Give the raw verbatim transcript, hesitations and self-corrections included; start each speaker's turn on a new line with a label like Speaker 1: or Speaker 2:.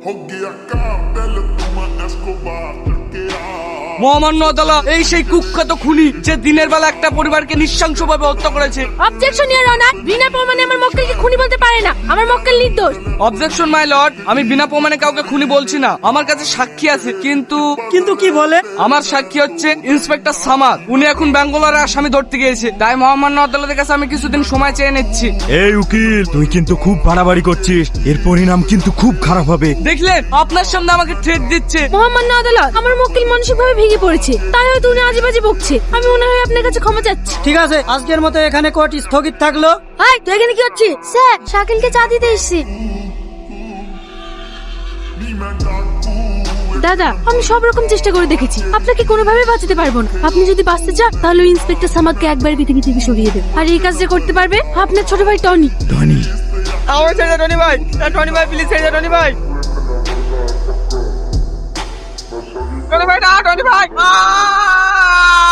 Speaker 1: মহামান্য আদালত, এই সেই কুখ্যাত খুনি যে দিনের বেলা একটা পরিবারকে নৃশংসভাবে হত্যা করেছে।
Speaker 2: অবজেকশন ইওর অনার, বিনা প্রমাণে আমার মক্কেলকে খুনি বলতে পারে না। আমার মক্কেল নির্দোষ।
Speaker 1: অবজেকশন মাই লর্ড, আমি বিনা প্রমাণে কাউকে খুনি বলছি না। আমার কাছে সাক্ষী আছে। কিন্তু
Speaker 3: কিন্তু কি বলে?
Speaker 1: আমার সাক্ষী হচ্ছে ইন্সপেক্টর সামাদ। উনি এখন ব্যাঙ্গালোরে আসামি ধরতে গিয়েছে। তাই মহামান্য আদালতের কাছে আমি কিছুদিন সময় চেয়ে নিচ্ছি।
Speaker 4: এই উকিল, তুই কিন্তু খুব বাড়াবাড়ি করছিস। এর পরিণাম কিন্তু খুব খারাপ হবে।
Speaker 1: দেখলেন, আপনার সামনে আমাকে থ্রেট দিচ্ছে।
Speaker 2: মহামান্য আদালত, আমার মক্কেল মানসিকভাবে ভেঙে পড়েছে, তাই হয়তো উনি আজে বাজে বকছে। আমি মনে হয় আপনার কাছে ক্ষমা চাচ্ছি।
Speaker 3: ঠিক আছে, আজকের মতো এখানে কোর্ট স্থগিত থাকলো।
Speaker 2: হাই, তুই এখানে কি হচ্ছে? স্যার, শাকিলকে চা দিতে এসেছি। দাদা, আমি সব রকম চেষ্টা করে দেখেছি, আপনাকে কোনোভাবে বাঁচাতে পারবো না। আপনি যদি বাঁচতে চান তাহলে ইন্সপেক্টর সামাদকে একবার পৃথিবী থেকে সরিয়ে দেন। আর এই কাজটা করতে পারবে আপনার ছোট ভাই টনি।
Speaker 4: ধনী,
Speaker 1: আমার ছেড়ে দে টনি ভাই। টনি ভাই প্লিজ ছেড়ে দে টনি ভাই। টনি ভাই না, টনি ভাই।